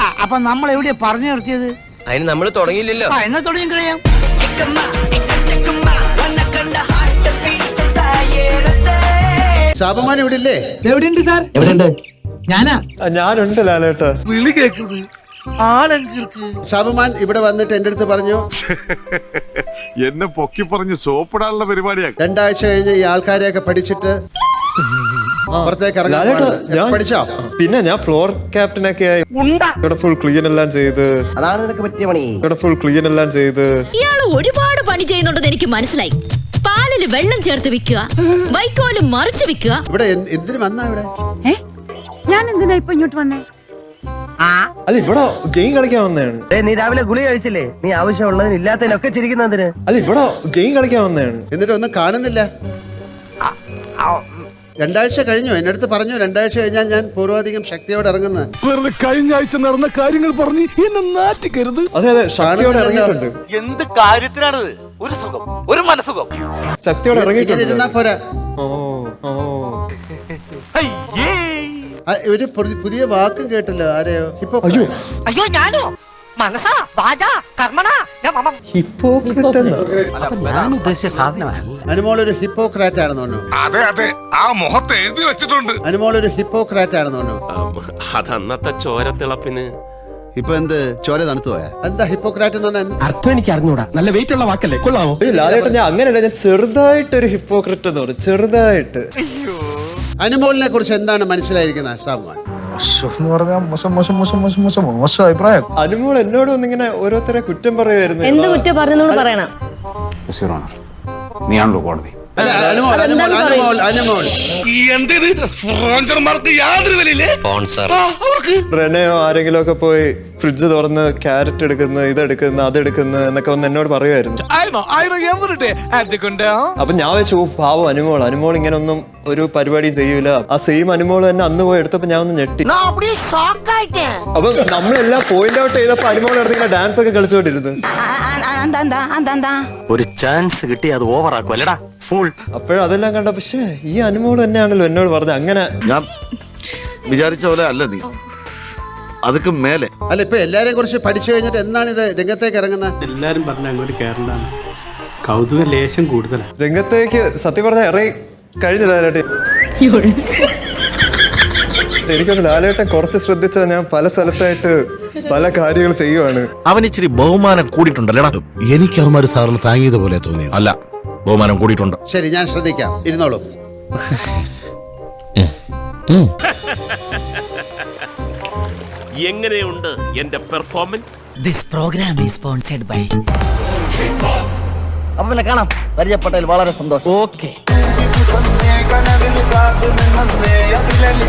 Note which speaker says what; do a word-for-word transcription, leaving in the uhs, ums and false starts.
Speaker 1: അപ്പൊ നമ്മൾ എവിടെയാ പറഞ്ഞു നിർത്തിയത്?
Speaker 2: അതിന് നമ്മൾ തുടങ്ങിയില്ലല്ലോ.
Speaker 1: എന്നാ തുടങ്ങി കഴിയാം.
Speaker 3: ശാപമാൻ ഇവിടെ ഇല്ലേ?
Speaker 1: എവിടെയുണ്ട് സാർ?
Speaker 2: എവിടെയുണ്ട്?
Speaker 1: ഞാനാ.
Speaker 4: ഞാനുണ്ട് ലാലേട്ടാ.
Speaker 1: വിളി കേൾക്കുന്നത് ആളെങ്കിർക്ക്.
Speaker 3: ശാപമാൻ ഇവിടെ വന്നിട്ട് എന്റെ അടുത്ത് പറഞ്ഞു,
Speaker 5: എന്നെ പൊക്കി പറഞ്ഞ് സോപ്പിടാനുള്ള പരിപാടിയാ.
Speaker 3: രണ്ടാഴ്ച കഴിഞ്ഞ് ഈ ആൾക്കാരെയൊക്കെ പഠിച്ചിട്ട് പുറത്തേക്ക് ഇറങ്ങാൻ പഠിച്ചോ?
Speaker 4: പിന്നെ ഞാൻ ഫ്ലോർ ക്യാപ്റ്റനൊക്കെ ആയി ഇവിടെ ഫുൾ ക്ലീൻ എല്ലാം ചെയ്ത്
Speaker 2: അതാണ് നിനക്ക് പറ്റിയ പണി.
Speaker 4: ഇവിടെ ഫുൾ ക്ലീൻ എല്ലാം ചെയ്ത്
Speaker 6: ഇയാള് ഒരുപാട് പണി ചെയ്യുന്നുണ്ടെന്ന് എനിക്ക് മനസ്സിലായി. പാലില് വെള്ളം ചേർത്ത് വിൽക്കുക, വൈക്കോലും മറിച്ച് വിൽക്കുക.
Speaker 3: ഇവിടെ എന്തിനു വന്നാ ഇവിടെ?
Speaker 7: ഞാൻ എന്തിനാ ഇപ്പൊ ഇങ്ങോട്ട് വന്നേ?
Speaker 4: അല്ല ഇവിടെ ഗെയിം കളിക്കാൻ വന്നതാണ്.
Speaker 2: നീ രാവിലെ ഗുളി കഴിച്ചില്ലേ? നീ ആവശ്യമുള്ളതിന് ഇല്ലാത്തതിനൊക്കെ ചിരിക്കുന്നതിന്.
Speaker 4: അല്ല ഇവിടെ ഗെയിം കളിക്കാൻ വന്നതാണ്.
Speaker 3: എന്നിട്ട് ഒന്നും കാണുന്നില്ല. രണ്ടാഴ്ച കഴിഞ്ഞു. എന്റെ അടുത്ത് പറഞ്ഞു രണ്ടാഴ്ച കഴിഞ്ഞാൽ ഞാൻ പൂർവാധികം ശക്തിയോടെ ഇറങ്ങുന്നത്.
Speaker 8: വെറുതെ കഴിഞ്ഞ ആഴ്ച നടന്ന കാര്യങ്ങൾ പറഞ്ഞ് എന്നെ നാറ്റിക്കരുത്.
Speaker 4: അതെ അതെ, ശക്തിയോടെ ഇറങ്ങിയിട്ടുണ്ട്.
Speaker 9: എന്ത് കാര്യത്തിനാണത്? ഒരു സുഖം, ഒരു മനസുഖം.
Speaker 4: ശക്തിയോടെ ഇറങ്ങിയിട്ടുണ്ട്.
Speaker 3: ഇരുന്നാ പോരാ.
Speaker 4: ഓ ഓ
Speaker 3: ഒരു പുതിയ വാക്കും കേട്ടല്ലോ. ആരെയോ? ഹിപ്പോ.
Speaker 7: അയ്യോ ഞാനോ? മനസ്സാ വാചാ കർമ്മണാ
Speaker 4: ഹിപ്പോക്രറ്റ് എന്നാ?
Speaker 1: ഞാൻ ഉദ്ദേശിച്ച സാധനമല്ല.
Speaker 3: അനുമോൾ ഒരു ഹിപ്പോക്രാറ്റ് ആണെന്ന് തോന്നുന്നു.
Speaker 5: അതെ അതെ, ആ മുഖത്ത് എഴുതി വെച്ചിട്ടുണ്ട്.
Speaker 3: അനുമോൾ ഒരു ഹിപ്പോക്രാറ്റ് ആണെന്ന് തോന്നുന്നു.
Speaker 10: അതന്നത്തെ ചോരത്തിളപ്പിന്
Speaker 3: ഇപ്പൊ എന്ത് ചോര തണുത്തു പോയാ? എന്താ ഹിപ്പോക്രാറ്റ് എന്ന് പറഞ്ഞാൽ?
Speaker 8: അർത്ഥം എനിക്ക് അറിഞ്ഞൂടാ. നല്ല വെയിറ്റ് ഉള്ള വാക്കല്ലേ, കൊള്ളാമോ?
Speaker 4: ലാലേട്ടാ ഞാൻ അങ്ങനെയല്ല, ഞാൻ ചെറുതായിട്ട് ഒരു ഹിപ്പോക്രറ്റ് എന്ന് പറയും, ചെറുതായിട്ട്.
Speaker 3: അനുമോളിനെ കുറിച്ച് എന്താണ് മനസ്സിലായിരിക്കുന്നത് ശാപമാൻ?
Speaker 4: അനുമോൾ എന്നോട് ഒന്നിങ്ങനെ ഓരോരുത്തരെ കുറ്റം പറയുമായിരുന്നു.
Speaker 6: എന്ത് കുറ്റം പറഞ്ഞു പറയണം?
Speaker 5: നീയാണല്ലോ കോടതി.
Speaker 3: അല്ല, അനുമോൾ അനുമോൾ അനുമോൾ അനുമോൾ
Speaker 9: യാതൊരു വിലയില്ലേ?
Speaker 4: റെനയോ ആരെങ്കിലും ഒക്കെ പോയി ഫ്രിഡ്ജ് തുറന്ന് ക്യാരറ്റ് എടുക്കുന്ന ഇതെടുക്കുന്ന അതെടുക്കുന്ന എന്നൊക്കെ വന്ന് എന്നോട് പറയുമായിരുന്നു. അപ്പൊ ഞാൻ വെച്ചു പാവം അനുമോൾ അനുമോൾ ഇങ്ങനെ ഒന്നും ഒരു പരിപാടി ചെയ്യൂല. ആ സെയിം അനുമോൾ തന്നെ അന്ന് പോയി എടുത്തപ്പോ ഞാൻ ഒന്ന് ഞെട്ടി. അപ്പൊ നമ്മളെല്ലാം പോയിന്റ് ഔട്ട് ചെയ്തപ്പോ അനുമോൾ ഇങ്ങനെ ഡാൻസ് ഒക്കെ കളിച്ചോണ്ടിരുന്നു.
Speaker 10: ഒരു ചാൻസ് കിട്ടി അത് ഓവർ ആക്കും അല്ലടാ ഫുൾ.
Speaker 4: അപ്പോഴതെല്ലാം കണ്ട പക്ഷേ ഈ അനുമോൾ തന്നെയാണല്ലോ എന്നോട് പറഞ്ഞത്. അങ്ങനെ
Speaker 5: ഞാൻ വിചാരിച്ച പോലെ അല്ല നീ, അതൊക്കെ മേലെ.
Speaker 3: അല്ല, ഇപ്പൊ എല്ലാരെയും കുറിച്ച് പഠിച്ചു കഴിഞ്ഞിട്ട് എന്താണ് ഇത് രംഗത്തേക്ക് ഇറങ്ങുന്നത്?
Speaker 8: എല്ലാരും പറഞ്ഞ അങ്ങോട്ട് കേറണ്ടാണ്. കൗതുക ലേശം കൂടുതലാണ്.
Speaker 4: രംഗത്തേക്ക് സത്യം പറഞ്ഞ ഇറങ്ങി കഴിഞ്ഞ ലാലേട്ടൻ. എനിക്കൊന്ന് ലാലേട്ടൻ കുറച്ച് ശ്രദ്ധിച്ചാൽ ഞാൻ പല സ്ഥലത്തായിട്ട് പല കാര്യങ്ങൾ ചെയ്യുവാണ്.
Speaker 8: അവൻ ഇച്ചിരി ബഹുമാനം കൂടിയിട്ടുണ്ടല്ലേടാ. എനിക്ക് അവന്മാര് സാറിന് താങ്ങിയത് പോലെ തോന്നി. അല്ല, ബഹുമാനം കൂടിയിട്ടുണ്ട്.
Speaker 3: ശരി, ഞാൻ ശ്രദ്ധിക്കാം. ഇരുന്നോളൂ.
Speaker 10: എങ്ങനെയുണ്ട് എന്റെ performance?
Speaker 7: This program is sponsored by.
Speaker 2: അപ്പൊ പിന്നെ കാണാം. പരിചയപ്പെട്ടതിൽ വളരെ സന്തോഷം. ഓക്കെ.